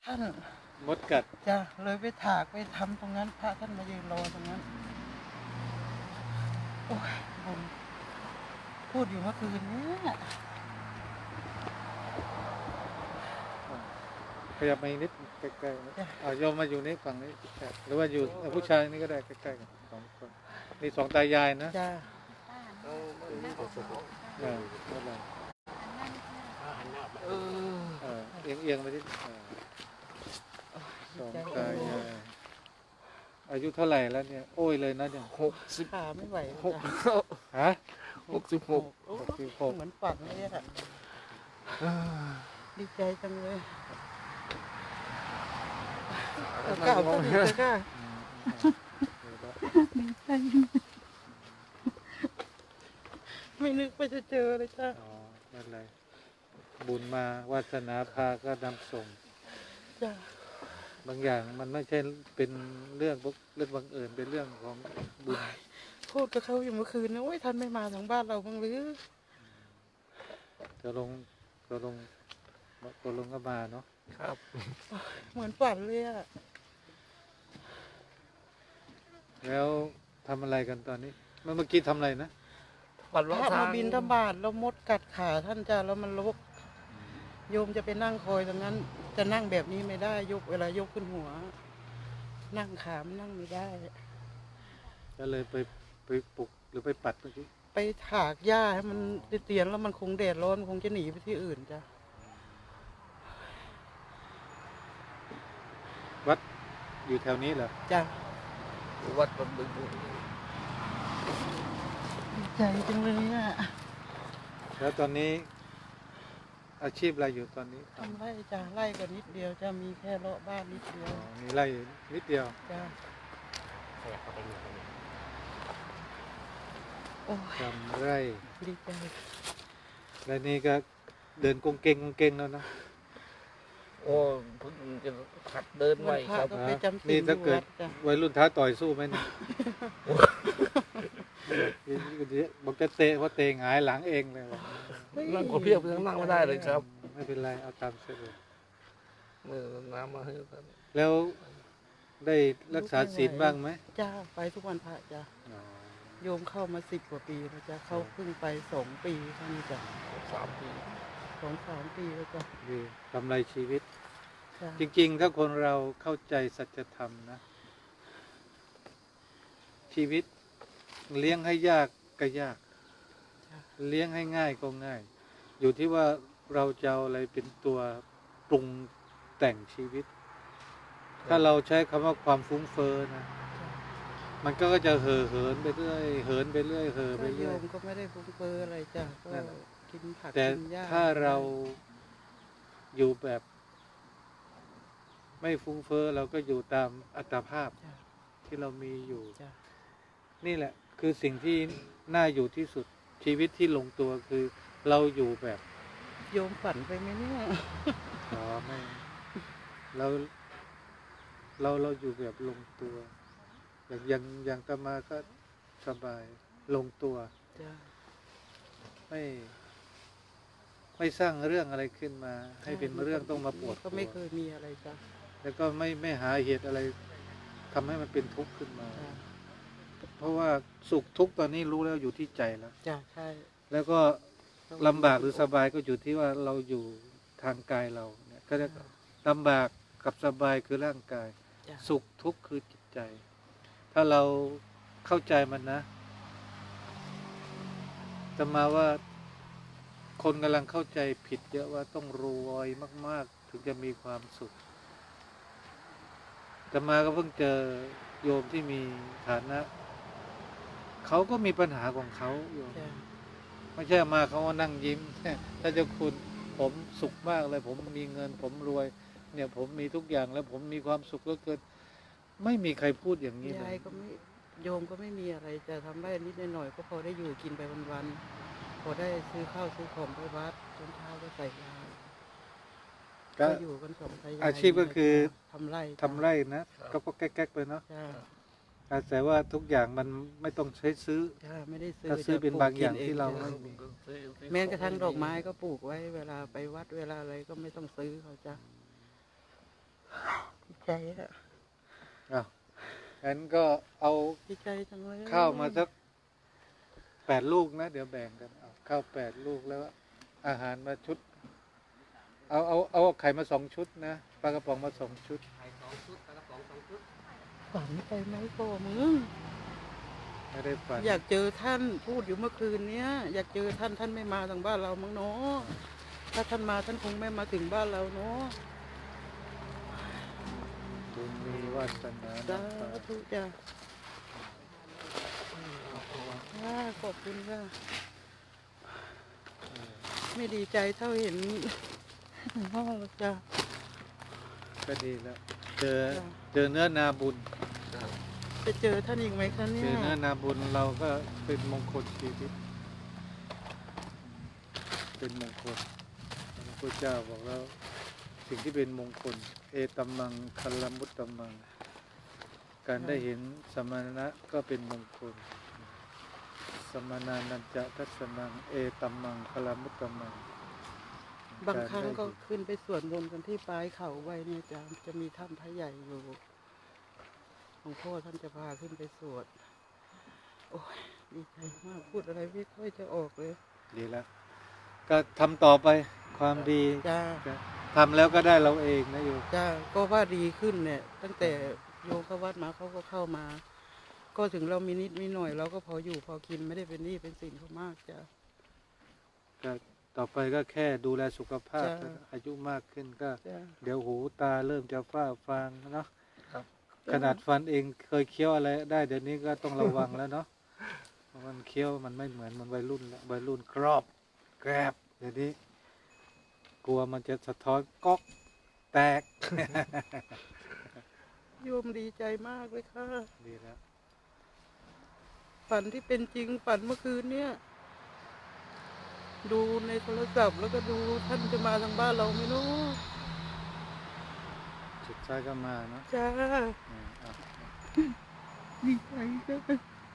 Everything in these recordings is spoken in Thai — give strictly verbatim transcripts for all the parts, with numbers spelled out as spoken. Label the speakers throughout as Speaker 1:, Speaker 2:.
Speaker 1: ท่าน
Speaker 2: มดกัด
Speaker 1: จะเลยไปถากไปทำตรงนั้นพระท่านมายืนรอตรงนั้นโอ้ยผมพูดอยู่เมื่อคืนนี้
Speaker 2: ขยับมาอีกนิดใกล้ๆนะเอาโยมมาอยู่นี่ฝั่งนี้ใกล้หรือว่าอยู่เอาผู้ชายนี่ก็ได้ใกล้ๆกันสองคนนี่สองตายายนะ
Speaker 1: จ้า
Speaker 2: เออไม่เป็นไร
Speaker 1: เออ
Speaker 2: เออเอียงเอียงๆไปที่เออสองตายายอายุเท่าไหร่แล้วเนี่ยโอ้ยเลยนะเนี่ย
Speaker 3: หกสิบ
Speaker 1: ขาไม่ไหว
Speaker 3: หก
Speaker 2: ฮะ
Speaker 3: หกสิบหก
Speaker 1: โอ้
Speaker 2: หกสิบหก
Speaker 1: เหมือนฝันเลยอะดีใจจังเลยเก่าก็ดีใจค่ะ
Speaker 2: อืมอืมเดี๋ยวละ
Speaker 1: ดีใจไม่นึกว่าจะเจอเลยจ้า
Speaker 2: อ๋อไม่เป็นไรบุญมาวาสนาพาก็นำส่ง
Speaker 1: จ้า
Speaker 2: บางอย่างมันไม่ใช่เป็นเรื่องเรื่องบังเอิญเป็นเรื่องของบุญ
Speaker 1: พูดกับเขาอยู่เมื่อคืนนะโอ้ยท่านไม่มาทางบ้านเราบ้างหรือ
Speaker 2: จะลงจะลงจะลงก็มาเนาะ
Speaker 3: ครับ
Speaker 1: เหมือนฝันเลยอะ
Speaker 2: แล้วทำอะไรกันตอนนี้เมื่อเมื่อกี้ทำอะไรนะ
Speaker 3: วัน
Speaker 1: พ
Speaker 3: ละ
Speaker 1: ระ
Speaker 3: ทา
Speaker 1: มาง บินทบาทแล้วมดกัดขาท่านจ้าแล้วมันรกโยมจะไปนั่งคอยตรงนั้น จะนั่งแบบนี้ไม่ได้ยกเวลายกขึ้นหัว นั่งขามนนั่งไม่ได้
Speaker 2: ก็เลยไปไปปลุกหรือไปปัดเมื่อกี้
Speaker 1: ไปถากหญ้าให้มันเตียนแล้วมันคงแดดร้อนคงจะหนีไปที่อื่นจ้ะ
Speaker 2: วัดอยู่แถวนี้เหรอ
Speaker 1: จ้ะ
Speaker 3: วัดบนบึง
Speaker 1: ดีใจจังเลยอ่ะ
Speaker 2: แล้วตอนนี้อาชีพอะไรอยู่ตอนนี้
Speaker 1: ทำไร่จ้ะไร่ก็นิดเดียวจะมีแค่เลาะบ้านนิดเดีย
Speaker 2: อ๋
Speaker 1: ว
Speaker 2: อมีไร่นิดเดียว
Speaker 1: จ้ะโอ้ย
Speaker 2: ทำไร่
Speaker 1: ดีใจ
Speaker 2: แล้วนี่ก็เดินกงเกงกงเกงแล้วนะ
Speaker 3: โอ้เพิ่งจะขัดเดินไหว
Speaker 1: วันพระ
Speaker 3: ครับ
Speaker 1: ก็ไปจำศี
Speaker 2: นี่
Speaker 1: ลอ
Speaker 2: ถ้า
Speaker 1: ยู่
Speaker 2: เกิ
Speaker 1: วั
Speaker 2: ด
Speaker 1: ดจ้ะ
Speaker 2: วัยรุ่นท้าต่อยสู้ไหมเนี่ยบอกจะเตะเพราะเตะหงายหลังเองเลยว่ะ
Speaker 3: นั่งขอเพียบยังนั่งไม่ได้เลยครับ
Speaker 2: ไม่เป็นไรเอาตามสะดวก
Speaker 3: เนี่ยน้ำมาให้ท่าน
Speaker 2: แล้วได้รักษาศีลบ้างไหม
Speaker 1: จ้าไปทุกวันพระจ้ะ
Speaker 2: อ๋อ
Speaker 1: โยมเข้ามาสิบกว่าปีแล้วจ้ะเข้าเพิ่งไปสองปีเท่านี้จ้ะ
Speaker 3: สามปี
Speaker 1: สองสามปีแล้วจ้ะ
Speaker 2: ดีกำไรชีวิต
Speaker 1: จ้ะ
Speaker 2: จริงๆ ถ้าคนเราเข้าใจสัจธรรมนะ ชีวิตเลี้ยงให้ยากก็ยาก
Speaker 1: จ้ะ
Speaker 2: เลี้ยงให้ง่ายก็ง่าย อยู่ที่ว่าเราจะเอาอะไรเป็นตัวปรุงแต่งชีวิต ถ้าเราใช้คำว่าความฟุ้งเฟ้อนะ
Speaker 1: จ้ะ
Speaker 2: มันก็จะเห่อเหินไปเรื่อยเหินไปเรื่อยเห่อไป
Speaker 1: ก็โย
Speaker 2: เรื่อย
Speaker 1: มก็ไม่ได้ฟุ้งเฟ้ออะไรจ้ะก็
Speaker 2: นั่นแหละ
Speaker 1: กินผัก
Speaker 2: แต่
Speaker 1: กินหญ้า
Speaker 2: ถ้าเราอยู่แบบ ไม่ฟุ้งเฟ้อเราก็อยู่ตามอัตภาพ
Speaker 1: จ้ะ
Speaker 2: ที่เรามีอยู่
Speaker 1: จ้ะ
Speaker 2: นี่แหละ คือสิ่งที่น่าอยู่ที่สุด ชีวิตที่ลงตัวคือเราอยู่แบบ
Speaker 1: โยมฝันไปไหมเนี่ย
Speaker 2: อ๋อไม่เราเราเราอยู่แบบลงตัว อย่างอย่างอย่างตามาก็สบายลงตัว
Speaker 1: จ้ะ
Speaker 2: ไม่ ไม่สร้างเรื่องอะไรขึ้นมา ให้เป็นเรื่องต้องมาปวด
Speaker 1: ก็ไม่
Speaker 2: หัว
Speaker 1: เคยมีอะไรจ้ะ
Speaker 2: แล้วก็ไม่ไม่หาเหตุอะไรทำให้มันเป็นทุกข์ขึ้นมา
Speaker 1: จ้ะ
Speaker 2: เพราะว่าสุขทุกข์ตอนนี้รู้แล้วอยู่ที่ใจแล้ว
Speaker 1: จ้ะใช่
Speaker 2: แล้วก็ลำบากหรือสบายก็อยู่ที่ว่าเราอยู่ทางกายเราเนี่ยก็จะลำบากกับสบายคือร่างกาย
Speaker 1: จ้ะ
Speaker 2: สุขทุกข์คือจิตใจ ถ้าเราเข้าใจมันนะจะมาว่าคนกำลังเข้าใจผิดเยอะว่าต้องรวยมาก ๆ ถึงจะมีความสุขจะมาก็เพิ่งเจอโยมที่มีฐานะ เขาก็มีปัญหาของเขาโยม
Speaker 1: จ้ะ
Speaker 2: ไม่ใช่มาเขาว่านั่งยิ้ม ถ้าเจ้าคุณผมสุขมากเลย ผมมีเงิน ผมรวย เนี่ย ผมมีทุกอย่างแล้วผมมีความสุขเหลือเกินไม่มีใครพูดอย่างนี้เลย
Speaker 1: าย ยก็ไม่โยมก็ไม่มีอะไรจะทำได้นิดหน่อยๆก็พอได้อยู่กินไปวันๆพอได้ซื้อข้าวซื้อของไปวัดตอนเช้าก็ใส่ยา
Speaker 2: ก็
Speaker 1: ก็อยู่กันสองตายาย
Speaker 2: อาชีพก็คือ
Speaker 1: ทำไร่
Speaker 2: ทำไร่นะก็ก็แก๊กๆไปเนาะ
Speaker 1: จ้ะ
Speaker 2: แต่ว่าทุกอย่างมันไม่ต้องใช้ซื้อ
Speaker 1: จ้ะไม่ได้ซื้อ
Speaker 2: ถ้าซื้อเป็น
Speaker 1: จะปลูก
Speaker 2: บางอย่าง
Speaker 1: กิน
Speaker 2: ที่เรา
Speaker 1: จ้ะ
Speaker 2: ไม่
Speaker 1: แม้กระทั่งดอกไม้ก็ปลูกไว้เวลาไปวัดเวลาอะไรก็ไม่ต้องซื้อเขาจ้ะดีใจอะ
Speaker 2: อ้าวงั้นก็เอา
Speaker 1: ดีใจจังเลย
Speaker 2: ข้าวมาสักแปดลูกนะ เดี๋ยวแบ่งกันเอาข้าวแปดลูกแล้วอาหารมาชุด เอาเอาเอาไข่มาสองชุดนะปลากระป๋องมาสองชุด
Speaker 3: ไข่สองชุดปลากระป๋องสองชุด
Speaker 1: ฝันไปไหมพ่อมึง
Speaker 2: ไม่ได้ฝัน
Speaker 1: อยากเจอท่านพูดอยู่เมื่อคืนเนี้ยอยากเจอท่านท่านไม่มาทางบ้านเรามั้งเนาะถ้าท่านมาท่านคงไม่มาถึงบ้านเราเนาะ
Speaker 2: บุญมีวาสนา
Speaker 1: สา
Speaker 2: น้ำตา
Speaker 1: ธุจ้ะอ่าขอบคุณค่ะไม่ดีใจเท่าเห็นพ่อหรอกจ้ะ
Speaker 2: ก็ดีแล้ว เจอ
Speaker 1: จ้ะ
Speaker 2: เจอเนื้อนาบุญ
Speaker 1: จะเจอท่านอีกไหมคะเนี่
Speaker 2: เจ
Speaker 1: ย
Speaker 2: อเนื้อนาบุญเราก็เป็นมงคลชีวิต เป็นมงคลพระพุทธเจ้าบอกแล้ว สิ่งที่เป็นมงคล เอตัมมังคัลลมุตตัมมัง การได้เห็นสมณะก็เป็นมงคล สมณานันจะทัศนังเอตัมมังคัลลมุตตัมมัง
Speaker 1: บางครั้งก็ขึ้นไปสวดมนต์กันที่ปลายเขาไว้เนี่ยจ้ะจะมีถ้ำพระใหญ่อยู่หลวงพ่อท่านจะพาขึ้นไปสวด โอ้ยดีใจมากพูดอะไรไม่ค่อยจะออกเลย
Speaker 2: ดีแล้ว ก็ทำต่อไปความดี
Speaker 1: จ้า
Speaker 2: ทำแล้วก็ได้เราเองนะโยม
Speaker 1: จ้าก็ว่าดีขึ้นเนี่ย ตั้งแต่โยมเข้าวัดมาเขาก็เข้ามา ก็ถึงเรามีนิดมีหน่อยเราก็พออยู่พอกินไม่ได้เป็นหนี้เป็นสินเขามากจ้า
Speaker 2: ก็ต่อไปก็แค่ดูแลสุขภาพ
Speaker 1: จ้ะ
Speaker 2: อายุมากขึ้นก็
Speaker 1: จ้า
Speaker 2: เดี๋ยวหูตาเริ่มจะฝ้าฟางเนาะ
Speaker 3: ครับ
Speaker 2: ขนาดฟันเองเคยเคี้ยวอะไรได้เดี๋ยวนี้ก็ต้องระวังแล้วเนาะเพราะมันเคี้ยวมันไม่เหมือนมันวัยรุ่นแล้ววัยรุ่นกรอบแกรบเดี๋ยวนี้ กลัวมันจะสะท้อนก๊อกแตก
Speaker 1: โยมดีใจมากเลยค่ะ
Speaker 2: ดีแล้ว
Speaker 1: ฝันที่เป็นจริงฝันเมื่อคืนเนี่ยดูในโทรศัพท์แล้วก็ดูท่านจะมาทางบ้านเราไหมเนาะ
Speaker 2: สุดท้ายก็มาเนาะ
Speaker 1: จ้า
Speaker 2: อืมเอา
Speaker 1: ดีใจจ้า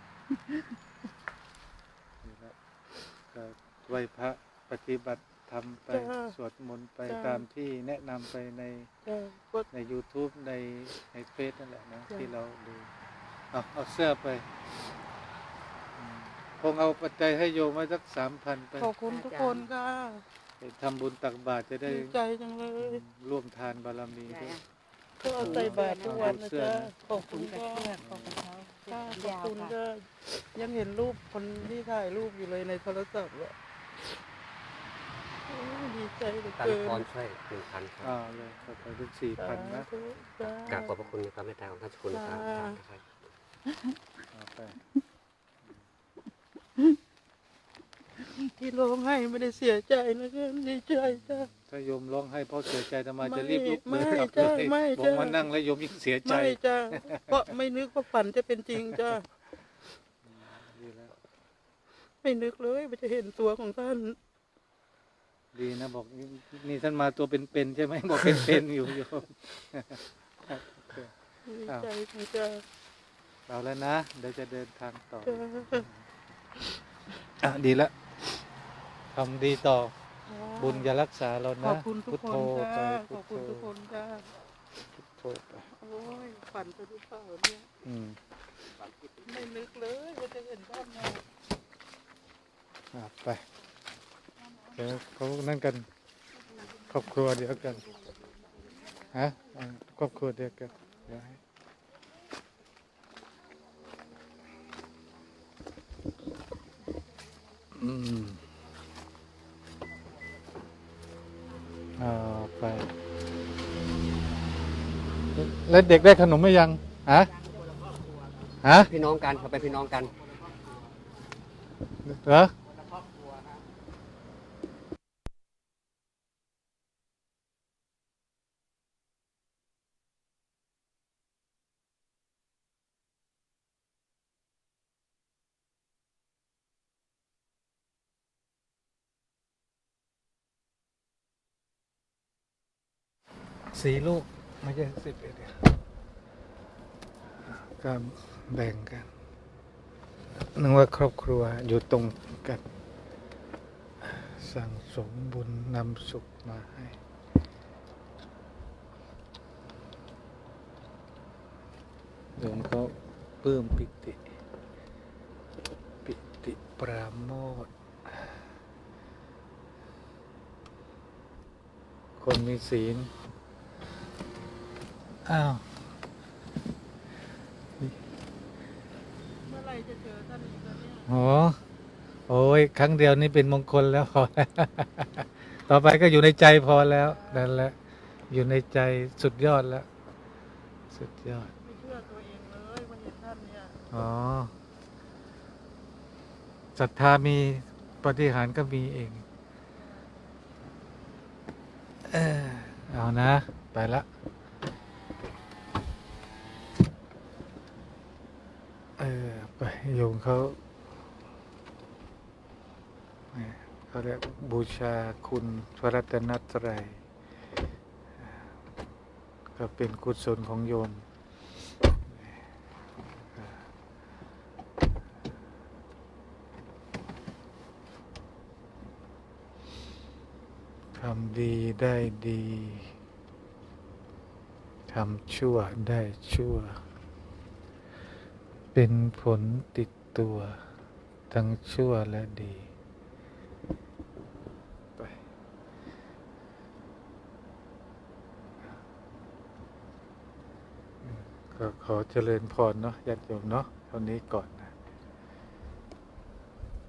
Speaker 2: ดีแล้วก็ไหวพระปฏิบัติทำไปสวดมนต์ไปตามที่แนะนำไปใน
Speaker 1: จ้าก็
Speaker 2: ใน YouTube ในในเฟซนั่นแหละนะ
Speaker 1: จ้ะ
Speaker 2: ที่เราดูเอาเอาเสื้อไปอืมคงเอาปัจจัยให้โยมไว้สักสามพันไป
Speaker 1: ขอบคุณทุกคนค่ะ
Speaker 2: ไปทำบุญตักบาตรจะได้
Speaker 1: ดีใจจังเล
Speaker 2: อื
Speaker 1: ย
Speaker 2: มร่วมทานบารมีด้วย
Speaker 1: ก็เอาใส่บาตรทุกวันนะ
Speaker 2: เสื้อ
Speaker 1: จ๊ะ
Speaker 2: นะ
Speaker 1: ขอบคุณค่ะ
Speaker 4: ขอบคุณเขา
Speaker 1: ค่ะขอบ
Speaker 4: ยาว
Speaker 1: คุณ
Speaker 4: ค่ะ
Speaker 1: ค่ะยังเห็นรูปคนที่ถ่ายรูปอยู่เลยในโทรศัพท์อะโอ้ยดีใจเหลือ
Speaker 3: ตัน
Speaker 1: เกิน
Speaker 3: พรช่วยหนึ่งพันครับ
Speaker 2: อ่าเลยก็ไปถึงสี่พันนะ
Speaker 1: สาธุจ้าก
Speaker 3: ราบขอบพระคุณในความเมตตาของท่านเจ้าคุณนะครับครับ
Speaker 2: เอาไป
Speaker 1: ที่ร้องไห้ไม่ได้เสียใจนะคะดีใจจ้า
Speaker 2: ถ้าโยมร้องให้เพราะเสียใจทำไม
Speaker 1: ไม่
Speaker 2: จะรีบลุก
Speaker 1: ไม่
Speaker 2: เดินกลับ
Speaker 1: จ้ะ
Speaker 2: เลย
Speaker 1: ไม่
Speaker 2: บอก
Speaker 1: จ้ะ
Speaker 2: ว่านั่งแล้วโยมยิ่งเสียใจ
Speaker 1: ไม่จ้าเพราะไม่นึกว่าฝันจะเป็นจริงจ้า
Speaker 2: ดีแล้ว
Speaker 1: ไม่นึกเลยว่าจะเห็นตัวของท่าน
Speaker 2: ดีนะบอกนี่นี่ท่านมาตัวเป็นๆใช่ไหมบอกเป็นๆอยู่โยม
Speaker 1: ดีใจของจ้า
Speaker 2: เอาแล้วนะเดี๋ยวจะเดินทางต่อ
Speaker 1: จ้า
Speaker 2: อ่ะดีแล้วทำดีต่อ บุญจะรักษาเรา
Speaker 1: ข
Speaker 2: นะ
Speaker 1: อบคุณทุก
Speaker 2: พุท
Speaker 1: ค
Speaker 2: โธ
Speaker 1: น
Speaker 2: ไป
Speaker 1: จ้าข
Speaker 2: พุ
Speaker 1: อ
Speaker 2: ท
Speaker 1: บ
Speaker 2: โธ
Speaker 1: คุณทุกคนจ้า
Speaker 2: พุทโธไป
Speaker 1: โอ้ยฝันไปหรือเปล่าเนี่ย
Speaker 2: อืม
Speaker 1: ไม่นึกเลยว่าจะเห็นท่านมา
Speaker 2: อ่ะไปเดี๋ยวเขานั่นกัน ครอบครัวเดียวกันฮะอ่าครอบครัวเดียวกันเดี๋ยวให้อืมเอาไป แล้วเด็กได้ขนมไหมยังฮะฮะ
Speaker 3: พี่น้องกันเขาเป็นพี่น้องกัน
Speaker 2: เหรอสี่ลูกไม่ใช่สิบเอ็ดก็แบ่งกันนึกว่าครอบครัวอยู่ตรงกัน สั่งสมบุญนำสุขมาให้ปลื้มปิติปิติปราโมทย์คนมีศีลอ้าว
Speaker 1: เมื่อไหรจะเจอท่านอีกแล้วเนี่ย
Speaker 2: โอ้โอ้ยครั้งเดียวนี่เป็นมงคลแล้วพอ ต่อไปก็อยู่ในใจพอแล้วนั่นแหละอยู่ในใจสุดยอดแล้ว สุดยอด
Speaker 1: ไม่เชื่อตัวเองเลยวันเห็นท่านเนี่ย
Speaker 2: อ๋อศรัทธามีปาฏิหาริย์ก็มีเองเออเอานะ ไปละเออไปโยมเขาเขาเรียกบูชาคุณพระรัตนตรัยก็เป็นกุศลของโยมทำดีได้ดีทำชั่วได้ชั่วเป็นผลติดตัวทั้งชั่วและดีไปก็ขอเจริญพรเนาะญาติโยมเนาะเท่านี้ก่อน